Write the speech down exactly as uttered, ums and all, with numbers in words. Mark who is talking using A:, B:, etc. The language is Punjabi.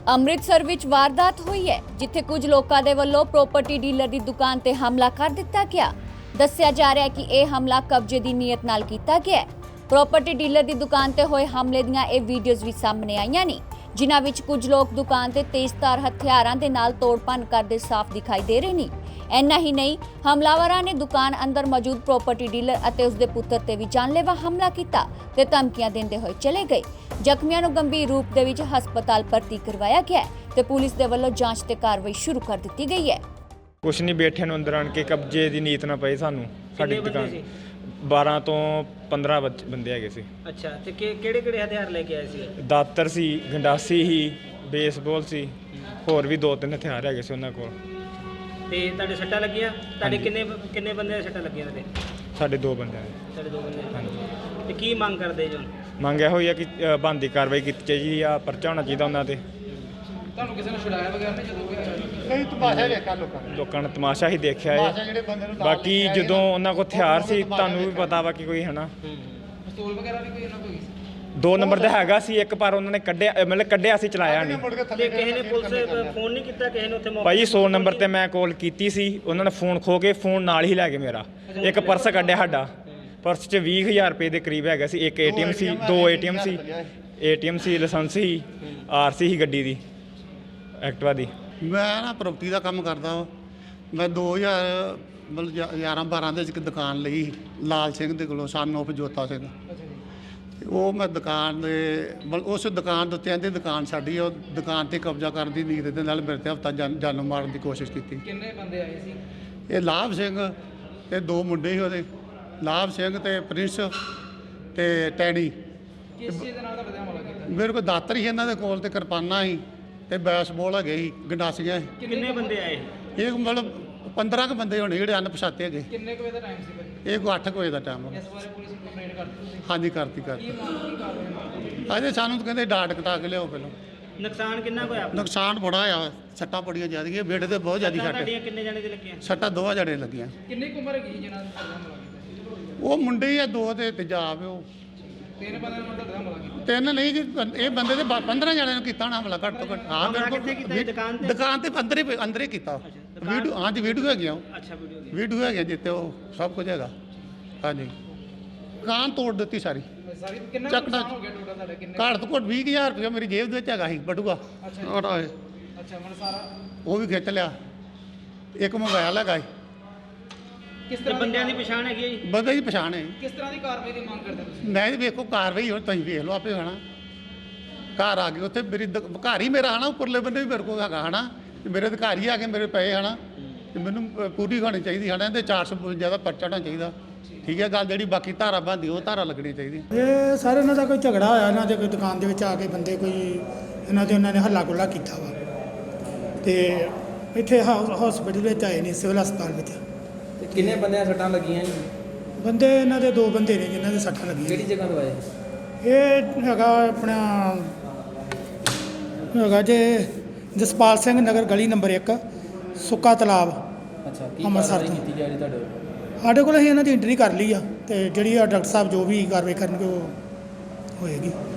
A: ਅੰਮ੍ਰਿਤਸਰ ਵਿੱਚ ਵਾਰਦਾਤ ਹੋਈ ਹੈ ਜਿੱਥੇ ਕੁਝ ਲੋਕਾਂ ਦੇ ਵੱਲੋਂ ਪ੍ਰਾਪਰਟੀ ਡੀਲਰ ਦੀ ਦੁਕਾਨ ਤੇ ਹਮਲਾ ਕਰ ਦਿੱਤਾ ਗਿਆ। ਦੱਸਿਆ ਜਾ ਰਿਹਾ ਹੈ ਕਿ ਇਹ ਹਮਲਾ ਕਬਜ਼ੇ ਦੀ ਨੀਅਤ ਨਾਲ ਕੀਤਾ ਗਿਆ ਹੈ। ਪ੍ਰਾਪਰਟੀ ਡੀਲਰ ਦੀ ਦੁਕਾਨ ਤੇ ਹੋਏ ਹਮਲੇ ਦੀਆਂ ਇਹ ਵੀਡੀਓਜ਼ ਵੀ ਸਾਹਮਣੇ ਆਈਆਂ ਨੇ, ਜਿਨ੍ਹਾਂ ਵਿੱਚ ਕੁਝ ਲੋਕ ਦੁਕਾਨ ਤੇ ਤੇਜ਼ਧਾਰ ਹਥਿਆਰਾਂ ਦੇ ਨਾਲ ਤੋੜਪੰਨ ਕਰਦੇ ਸਾਫ਼ ਦਿਖਾਈ ਦੇ ਰਹੇ ਨੇ। ਇੰਨਾ ਹੀ ਨਹੀਂ, ਹਮਲਾਵਰਾਂ ਨੇ ਦੁਕਾਨ ਅੰਦਰ ਮੌਜੂਦ ਪ੍ਰਾਪਰਟੀ ਡੀਲਰ ਅਤੇ ਉਸਦੇ ਪੁੱਤਰ ਤੇ ਵੀ ਜਾਨਲੇਵਾ ਹਮਲਾ ਕੀਤਾ ਤੇ ਧਮਕੀਆਂ ਦਿੰਦੇ ਹੋਏ ਚਲੇ ਗਏ। ਜ਼ਖਮੀਆਂ ਨੂੰ ਗੰਭੀਰ ਰੂਪ ਦੇ ਵਿੱਚ ਹਸਪਤਾਲ ਭਰਤੀ ਕਰਵਾਇਆ ਗਿਆ ਹੈ ਤੇ ਪੁਲਿਸ ਦੇ ਵੱਲੋਂ ਜਾਂਚ ਤੇ ਕਾਰਵਾਈ ਸ਼ੁਰੂ ਕਰ ਦਿੱਤੀ ਗਈ ਹੈ।
B: ਕੁਛ ਨਹੀਂ, ਬੈਠੇ ਨੂੰ ਅੰਦਰ ਆਣ ਕੇ ਕਬਜ਼ੇ ਦੀ ਨੀਤ ਨਾ ਪਈ ਸਾਨੂੰ। ਸਾਡੀ ਦੁਕਾਨ ਬਾਰਾਂ ਤੋਂ ਪੰਦਰਾਂ ਬੰਦੇ ਹੈਗੇ ਸੀ।
C: ਅੱਛਾ, ਤੇ ਕਿਹੜੇ ਕਿਹੜੇ ਹਥਿਆਰ ਲੈ ਕੇ ਆਏ ਸੀ?
B: ਦਾਤਰ ਸੀ, ਗੰਡਾਸੀ ਸੀ, ਬੇਸਬਾਲ ਸੀ, ਹੋਰ ਵੀ ਦੋ ਤਿੰਨ ਹਥਿਆਰ ਹੈਗੇ ਸੀ ਉਹਨਾਂ ਕੋਲ।
C: ਤੇ ਤੁਹਾਡੇ ਸੱਟਾਂ ਲੱਗੀਆਂ? ਤੁਹਾਡੇ ਕਿੰਨੇ ਕਿੰਨੇ ਬੰਦੇ ਦੇ ਸੱਟਾਂ ਲੱਗੀਆਂ ਨੇ?
B: ਸਾਡੇ ਦੋ ਬੰਦੇ ਨੇ।
C: ਸਾਡੇ ਦੋ ਬੰਦੇ।
B: ਹਾਂਜੀ।
C: ਤੇ ਕੀ ਮੰਗ ਕਰਦੇ ਜੋ?
B: ਮੰਗ ਇਹੋ ਹੀ ਆ ਕਿ ਬਣਦੀ ਕਾਰਵਾਈ ਕੀਤੀ ਚਾਹੀਦੀ ਆ, ਪਰਚਾ ਹੋਣਾ ਚਾਹੀਦਾ ਉਹਨਾਂ ਤੇ।
D: ਤੁਹਾਨੂੰ ਕਿਸੇ ਨੇ ਛੁਡਾਇਆ ਵਗੈਰਾ ਨਹੀਂ? ਜਦੋਂ
E: ਨਹੀਂ, ਤਮਾਸ਼ਾ ਦੇਖਿਆ ਲੋਕਾਂ ਨੇ।
B: ਲੋਕਾਂ ਨੇ ਤਮਾਸ਼ਾ ਹੀ ਦੇਖਿਆ ਹੈ। ਬਾਕੀ ਜਦੋਂ ਉਹਨਾਂ ਕੋਲ ਹਥਿਆਰ ਸੀ, ਤੁਹਾਨੂੰ ਵੀ ਪਤਾ ਵਾ ਕਿ ਕੋਈ ਹਨਾ
D: ਪਿਸਤੌਲ ਵਗੈਰਾ ਵੀ ਕੋਈ ਇਹਨਾਂ ਕੋਲ ਸੀ?
B: ਦੋ ਨੰਬਰ ਦਾ ਹੈਗਾ ਸੀ ਇੱਕ, ਪਰ ਉਹਨਾਂ ਨੇ ਕੱਢਿਆ, ਮਤਲਬ ਕੱਢਿਆ ਸੀ, ਚਲਾਇਆ ਨਹੀਂ।
C: ਤੇ ਕਿਸੇ ਨੇ ਪੁਲਿਸ ਫੋਨ ਨਹੀਂ ਕੀਤਾ ਕਿਸੇ ਨੂੰ? ਉੱਥੇ
B: ਭਾਈ ਸੌ ਨੰਬਰ ਤੇ ਮੈਂ ਕਾਲ ਕੀਤੀ ਸੀ, ਉਹਨਾਂ ਨੇ ਫੋਨ ਖੋ ਕੇ ਫੋਨ ਨਾਲ ਹੀ ਲੈ ਗਏ ਮੇਰਾ। ਇੱਕ ਪਰਸ ਕੱਢਿਆ ਸਾਡਾ, ਪਰਸ 'ਚ ਵੀਹ ਹਜ਼ਾਰ ਰੁਪਏ ਦੇ ਕਰੀਬ ਹੈਗਾ ਸੀ। ਇੱਕ ਏਟੀਐਮ ਸੀ, ਦੋ ਏਟੀਐਮ ਸੀ, ਏਟੀਐਮ ਸੀ, ਲਾਇਸੈਂਸ ਸੀ, ਆਰਸੀ ਸੀ ਗੱਡੀ ਦੀ, ਐਕਟਿਵਾ ਦੀ।
E: ਮੈਂ ਨਾ ਪ੍ਰੋਪਰਟੀ ਦਾ ਕੰਮ ਕਰਦਾ ਵਾ। ਮੈਂ ਦੋ ਹਜ਼ਾਰ ਮਤਲਬ ਗਿਆਰਾਂ ਬਾਰਾਂ ਦੇ ਵਿੱਚ ਇੱਕ ਦੁਕਾਨ ਲਈ ਲਾਲ ਸਿੰਘ ਦੇ ਕੋਲੋਂ, ਸਨ ਆਫ ਜੋਤਾ ਸਿੰਘ। ਉਹ ਮੈਂ ਦੁਕਾਨ ਦੇ ਮਤਲਬ ਉਸ ਦੁਕਾਨ ਦੇ ਉੱਤੇ ਆਂਦੇ ਦੁਕਾਨ ਸਾਡੀ, ਉਹ ਦੁਕਾਨ ਤੇ ਕਬਜ਼ਾ ਕਰਨ ਦੀ ਨੀਤ ਦੇ ਨਾਲ ਮੇਰੇ ਤੇ ਹਫਤਾ ਜਾਨੋਂ ਮਾਰਨ ਦੀ ਕੋਸ਼ਿਸ਼ ਕੀਤੀ।
D: ਕਿੰਨੇ ਬੰਦੇ ਆਏ ਸੀ?
E: ਇਹ ਲਾਭ ਸਿੰਘ ਤੇ ਦੋ ਮੁੰਡੇ ਸੀ ਉਹਦੇ, ਲਾਭ ਸਿੰਘ ਤੇ ਪ੍ਰਿੰਸ ਤੇ ਟੈਣੀ।
D: ਕਿਸ ਚੀਜ਼ ਦੇ ਨਾਲ ਤੁਹਾਡੇ ਹਮਲਾ ਕੀਤਾ?
E: ਮੇਰੇ ਕੋਲ ਦਾਤਰ ਸੀ ਇਹਨਾਂ ਦੇ ਕੋਲ ਤੇ ਕਿਰਪਾਨਾਂ ਸੀ ਤੇ ਬੈਸਬਾਲ ਹੈਗੇ ਸੀ, ਗੰਡਾਸੀਆਂ ਸੀ।
C: ਕਿੰਨੇ ਬੰਦੇ ਆਏ?
E: ਇਹ ਮਤਲਬ ਪੰਦਰਾਂ ਕੁ ਬੰਦੇ ਹੋਣੇ ਜਿਹੜੇ ਅਣਪਛਾਤੇ ਹੈਗੇ।
D: ਕਿੰਨੇ ਕੁ ਵਜੇ ਦਾ ਟਾਈਮ ਸੀ ਭਾਈ?
E: ਇਹ ਕੋਈ ਅੱਠ ਕੁ ਵਜੇ ਦਾ ਟਾਈਮ ਆ।
D: ਇਸ ਬਾਰੇ ਪੁਲਿਸ ਨੂੰ ਕੰਪਲੇਂਟ ਕਰਤੀ ਤੁਸੀਂ?
E: ਹਾਂਜੀ, ਕਰਤੀ ਕਰਤੀ।
D: ਕੀ ਮੰਗ ਕੀ ਕਾਰਵਾਈ?
E: ਅਜੇ ਸਾਨੂੰ ਤਾਂ ਕਹਿੰਦੇ ਡਾਟ ਕਟਾ ਕੇ ਲਿਆਓ ਪਹਿਲਾਂ।
C: ਨੁਕਸਾਨ ਕਿੰਨਾ ਕੁ ਹੋਇਆ?
E: ਨੁਕਸਾਨ ਬੜਾ ਆ, ਸੱਟਾਂ ਬੜੀਆਂ ਜ਼ਿਆਦੀਆਂ, ਬੇਟੇ ਤੇ ਬਹੁਤ ਜ਼ਿਆਦਾ ਸੱਟ।
C: ਤੁਹਾਡੀਆਂ ਕਿੰਨੇ ਜਾਣੇ ਦੇ ਲੱਗੀਆਂ?
E: ਸੱਟਾਂ ਦੋਵਾਂ ਜਣੇ ਲੱਗੀਆਂ।
D: ਕਿੰਨੀ ਕੁ ਉਮਰ ਹੈਗੀ ਜਿਹਨਾਂ ਨੇ ਤੁਹਾਡਾ ਹਮਲਾ ਕੀਤਾ?
E: ਉਹ ਮੁੰਡੇ ਹੀ ਆ ਦੋ ਤੇ ਤੇਜਾਬ ਉਹ।
D: ਤਿੰਨ ਬੰਦਿਆਂ ਨੇ ਤੁਹਾਡਾ ਹਮਲਾ ਕੀਤਾ?
E: ਤਿੰਨ ਨਹੀਂ ਜੀ, ਇਹ ਬੰਦੇ ਦੇ ਪੰਦਰਾਂ ਜਣਿਆਂ ਨੂੰ ਕੀਤਾ ਨਾ ਹਮਲਾ, ਘੱਟ ਤੋਂ ਘੱਟ। ਹਾਂ,
C: ਹਮਲਾ
E: ਮੇਰੇ
C: ਕਿੱਥੇ ਕੀਤਾ?
E: ਕੋਲ
C: ਦੁਕਾਨ ਤੇ?
E: ਦੁਕਾਨ ਤੇ ਅੰਦਰ ਹੀ ਅੰਦਰ ਹੀ ਕੀਤਾ। ਵੀਡੀਓ, ਹਾਂਜੀ ਵੀਡੀਓ ਹੈਗੀਆਂ,
C: ਅੱਛਾ, ਵੀਡੀਓ ਦੀ।
E: ਵੀਡੀਓ ਹੈਗੀਆਂ ਜਿੱਤੇ ਉਹ ਸਭ ਕੁਝ ਹੈਗਾ। ਹਾਂਜੀ, ਦੁਕਾਨ ਤੋੜ ਦਿੱਤੀ ਸਾਰੀ।
D: ਸਾਰੀ ਕਿੰਨਾ
E: ਚੱਕ
D: ਨੁਕਸਾਨ ਹੋ ਗਿਆ ਟੋਟਲ ਤੁਹਾਡਾ? ਕਿੰਨੇ?
E: ਘੱਟ ਤੋਂ ਘੱਟ ਵੀਹ ਕੁ ਹਜ਼ਾਰ ਰੁਪਇਆ ਮੇਰੀ ਜੇਬ ਦੇ ਵਿੱਚ ਹੈਗਾ ਸੀ ਬਟੂਆ।
D: ਅੱਛਾ ਅੱਛਾ, ਮਨ ਸਾਰਾ
E: ਉਹ ਵੀ ਖਿੱਚ ਲਿਆ। ਇੱਕ ਮੋਬਾਈਲ ਹੈਗਾ ਸੀ।
D: ਕਿਸ
C: ਤੇ
D: ਤਰ੍ਹਾਂ
C: ਬੰਦਿਆਂ ਦੀ ਪਛਾਣ ਹੈਗੀ ਹੈ ਜੀ?
E: ਬੰਦੇ ਦੀ ਪਛਾਣ ਹੈ।
D: ਕਿਸ ਤਰ੍ਹਾਂ ਦੀ ਕਾਰਵਾਈ ਦੀ ਮੰਗ ਕਰਦੇ ਤੁਸੀਂ?
E: ਮੈਂ ਵੀ ਵੇਖੋ ਕਾਰਵਾਈ ਹੁਣ ਤੁਸੀਂ ਵੇਖ ਲਓ ਆਪੇ ਹਨਾ। ਘਰ ਆ ਗਏ ਉੱਥੇ ਮੇਰੀ ਦ- ਘਰ ਹੀ ਮੇਰਾ ਹਨਾ, ਉੱਪਰਲੇ ਬੰਦੇ ਵੀ ਮੇਰੇ ਕੋਲ ਹੈਗਾ ਹਨਾ, ਤੇ ਮੇਰੇ ਤੇ ਘਰ ਹੀ ਆ ਕੇ ਮੇਰੇ ਪਏ ਹਨਾ, ਤੇ ਮੈਨੂੰ ਅ, ਪੂਰੀ ਹੋਣੀ ਚਾਹੀਦੀ ਹਨਾ। ਤੇ ਚਾਰ ਸੌ ਬਵੰਜਾ ਦਾ ਪਰਚਾ ਹੋਣਾ ਚਾਹੀਦਾ। ਠੀਕ ਹੈ ਗੱਲ, ਜਿਹੜੀ ਬਾਕੀ ਧਾਰਾ ਬਣਦੀ ਉਹ ਧਾਰਾ ਲੱਗਣੀ ਚਾਹੀਦੀ।
F: ਇਹ ਸਾਰੇ ਇਹਨਾਂ ਦਾ ਕੋਈ ਝਗੜਾ ਹੋਇਆ, ਇਹਨਾਂ ਦੇ ਕੋਈ ਦੁਕਾਨ ਦੇ ਵਿੱਚ ਆ ਕੇ ਬੰਦੇ ਕੋਈ ਇਹਨਾਂ ਦੇ ਉਹਨਾਂ ਨੇ ਹੱਲਾ ਗੁੱਲਾ ਕੀਤਾ ਵਾ, ਤੇ ਇੱਥੇ ਹਸਪੀਟਲ ਵਿੱਚ ਆਏ ਨੇ, ਸਿਵਲ ਹਸਪਤਾਲ ਵਿੱਚ।
G: ਤੇ ਕਿੰਨੇ ਬੰਦਿਆਂ ਸੱਟਾਂ ਲੱਗੀਆਂ ਜੀ?
F: ਬੰਦੇ ਇਹਨਾਂ ਦੇ ਦੋ ਬੰਦੇ ਨੇ ਜਿਨ੍ਹਾਂ ਦੇ ਸੱਟਾਂ ਲੱਗੀਆਂ।
G: ਕਿਹੜੀ ਜਗ੍ਹਾ ਤੋਂ ਆਏ?
F: ਇਹ ਹੈਗਾ ਆਪਣਾ ਹੈਗਾ ਜੇ ਜਸਪਾਲ ਸਿੰਘ ਨਗਰ ਗਲੀ ਨੰਬਰ ਇੱਕ, ਸੁੱਕਾ ਤਲਾਬ,
G: ਅੱਛਾ, ਕੀ
F: ਅੰਮ੍ਰਿਤਸਰ
G: ਕਾਰਵਾਈ
F: ਤੋਂ।
G: ਕੀਤੀ ਜਾ ਰਹੀ ਤੁਹਾਡੇ?
F: ਸਾਡੇ ਕੋਲ ਅਸੀਂ ਇਹਨਾਂ ਦੀ ਐਂਟਰੀ ਕਰ ਲਈ ਆ, ਤੇ ਜਿਹੜੀ ਆ ਡਾਕਟਰ ਸਾਹਿਬ ਜੋ ਵੀ ਕਾਰਵਾਈ ਕਰਨਗੇ ਉਹ ਹੋਏਗੀ।